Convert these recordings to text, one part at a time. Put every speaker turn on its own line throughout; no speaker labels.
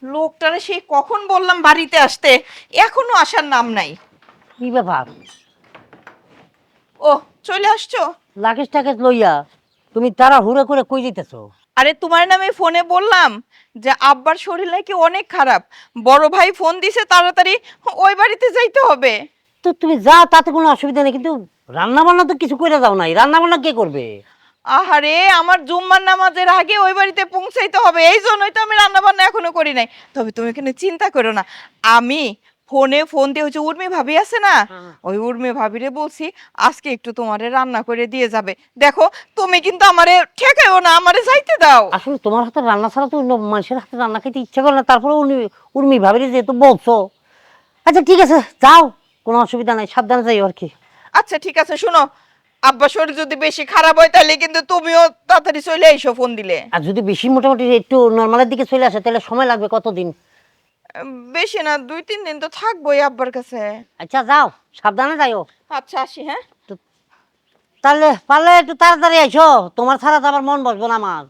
লোকটারে সেই কখন বললাম বাড়িতে আসতে, এখনো আসার নাম নাই।
কি ব্যাপার?
ও, চলে আসছো?
লাগেজ টাগেজ লইয়া তুমি তারা হুড়ে করে কই যেতেছো?
আরে তোমার নামে ফোনে বললাম যে আব্বার শরীর নাকি অনেক খারাপ, বড় ভাই ফোন দিছে তাড়াতাড়ি ওই বাড়িতে যাইতে হবে।
তো তুমি যা, তাতে কোনো অসুবিধা নেই, কিন্তু রান্না বান্না তো কিছু করে দাও নাই। রান্না বান্না কে করবে?
আহারে, আমার জুম্মার নামাজের আগে ওই বাড়িতে পৌঁছাইতে হবে, এই জন্যই তো আমি রান্না বান্না এখনো করি নাই। তবে তুমি এখানে চিন্তা করো না, আমি ফোন দিয়ে হচ্ছে উর্মি ভাবি আছে না, ওই উর্মি ভাবিরে বলছি আজকে একটু তোমারে রান্না করে দিয়ে যাবে। দেখো, তুমি কিন্তু আমারে ঠেকাইও না, আমারে যাইতে দাও।
আসলে তোমার হাতে রান্না ছাড়া তো অন্য মানুষের হাতে রান্না খেতে ইচ্ছা করে না, তারপরে উর্মি ভাবিরে যেহেতু বলছো। আচ্ছা ঠিক আছে, যাও, কোনো অসুবিধা নাই, সাবধানে যাই আর কি।
আচ্ছা ঠিক আছে, শুনো, আব্বা শরীর যদি বেশি খারাপ হয় তাহলে কিন্তু তুমিও তাড়াতাড়ি চলে এসো ফোন দিলে।
আর যদি বেশি মোটামুটি একটু নর্মালের দিকে চলে আসে তাহলে সময় লাগবে কতদিন?
বেশি না, 2-3 দিন তো থাকবোই আব্বার কাছে।
আচ্ছা যাও, সাবধানে যাইও।
আচ্ছা, আসি, হ্যাঁ।
তো তাহলে পারলে একটু তাড়াতাড়ি আইসো, তোমার ছাড়া তো আমার মন বসবো না আমার।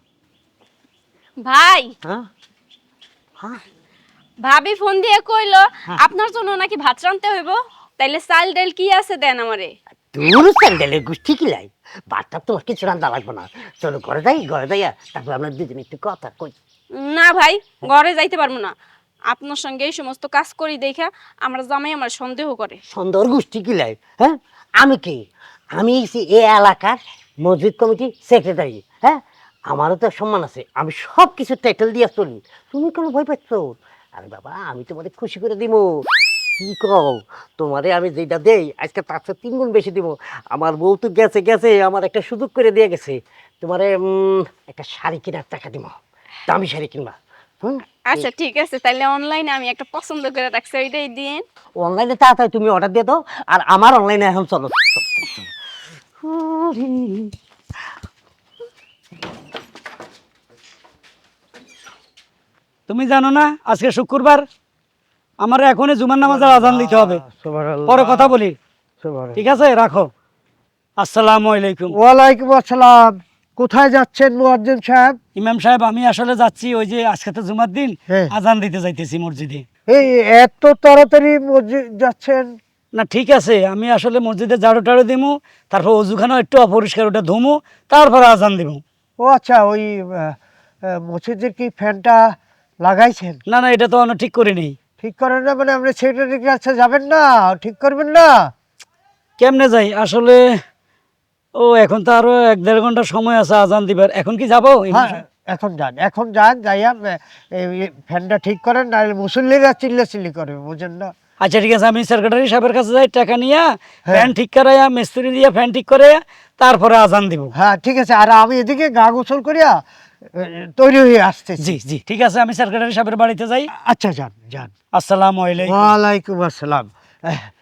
ভাই,
হ্যাঁ হ্যাঁ
ভাবি ফোন দিয়ে কইলো
হ্যাঁ।
আপনার জন্য নাকি ভাত রানতে হইব। তাইলে চাল ডাল কি আছে দেন আমারে।
দূর স্যান্ডেলের গোষ্ঠী কি লাই, বাচ্চা তোমার কিছু রান্না লাগবে না। চলো ঘরে যাই, ঘরে যাইয়া তারপর আমরা দুজন একটু কথা কই।
না ভাই, ঘরে যাইতে পারবো না। আপনার সঙ্গে এই সমস্ত কাজ করি দেখা আমার জামাই আমার সন্দেহ করে।
সুন্দর গোষ্ঠী কি লাই, হ্যাঁ? আমি কি, আমি হচ্ছি এ এলাকার মসজিদ কমিটি সেক্রেটারি, হ্যাঁ? আমারও তো সম্মান আছে, আমি সব কিছু টাইটেল দিয়ে চলি। তুমি কেন ভয় পাচ্ছ? আরে বাবা, আমি তোমাদের খুশি করে দিব। কি কও, তোমারে আমি যেটা দেই আজকে তার চেয়ে 3 গুণ বেশি দিব। আমার বউ তো গেছে গেছে, আমার একটা সুযোগ করে দিয়ে গেছে। তোমারে একটা শাড়ি কেনার টাকা দিব, দামি শাড়ি কিনবা। হুম,
আচ্ছা ঠিক আছে, তাইলে অনলাইনে আমি একটা পছন্দ করে রাখছি, ওইটাই দিন।
অনলাইনে তাড়াতাড়ি তুমি অর্ডার দিয়ে দাও, আর আমার অনলাইনে এখন চলো।
তুমি জানো না আজকে শুক্রবার, আমার এখনই জুমার নামাজের আজান দিতে হবে। পরে কথা বলি, ঠিক আছে? রাখো। আসসালামু আলাইকুম।
ওয়ালাইকুম আসসালাম। কোথায় যাচ্ছেন মুয়াজ্জিন সাহেব?
ইমাম সাহেব, আমি আসলে যাচ্ছি, ওই যে আজকে তো জুমার দিন,
হ্যাঁ।
আজান দিতে যাইতেছি মসজিদে।
এই এত তাড়াতাড়ি মসজিদ যাচ্ছেন?
না ঠিক আছে, আমি আসলে মসজিদে ঝাড়ু টাড়ু দিমু, তারপর অজুখানা একটু অপরিষ্কার, ওটা ধুমু, তারপরে আজান দিমু।
ও আচ্ছা, ওই মসজিদের কি ফ্যানটা লাগাইছেন?
না না, এটা তো আমি ঠিক করি নেই।
ঠিক করেন না মানে আপনি সেক্রেটারির কাছে যাবেন না, ঠিক করবেন না?
কেমনে যাই আসলে, ও এখন তো আরো 1-1.5 ঘন্টা সময় আছে আজান দিবার, এখন কি যাবো?
হ্যাঁ, এখন যান, এখন যান, যাইয়া এই ফ্যানটা ঠিক করেন, নাহলে মুসল্লিরা চিল্লাচিল্লি করবে, বুঝেন না?
আচ্ছা ঠিক আছে, আমি সেক্রেটারি সাহেবের কাছে যাই, টাকা নিয়ে
হ্যাঁ।
ফ্যান ঠিক করাইয়া, মিস্ত্রি দিয়ে ফ্যান ঠিক করে তারপরে আজান দিব।
হ্যাঁ ঠিক আছে, আর আমি এদিকে গা গোসল করিয়া তৈরি হয়ে আসতেছি।
জি জি ঠিক আছে, আমি সেক্রেটারি সাহেবের বাড়িতে যাই।
আচ্ছা, যান যান।
আসসালামু আলাইকুম।
ওয়ালাইকুম আসসালাম।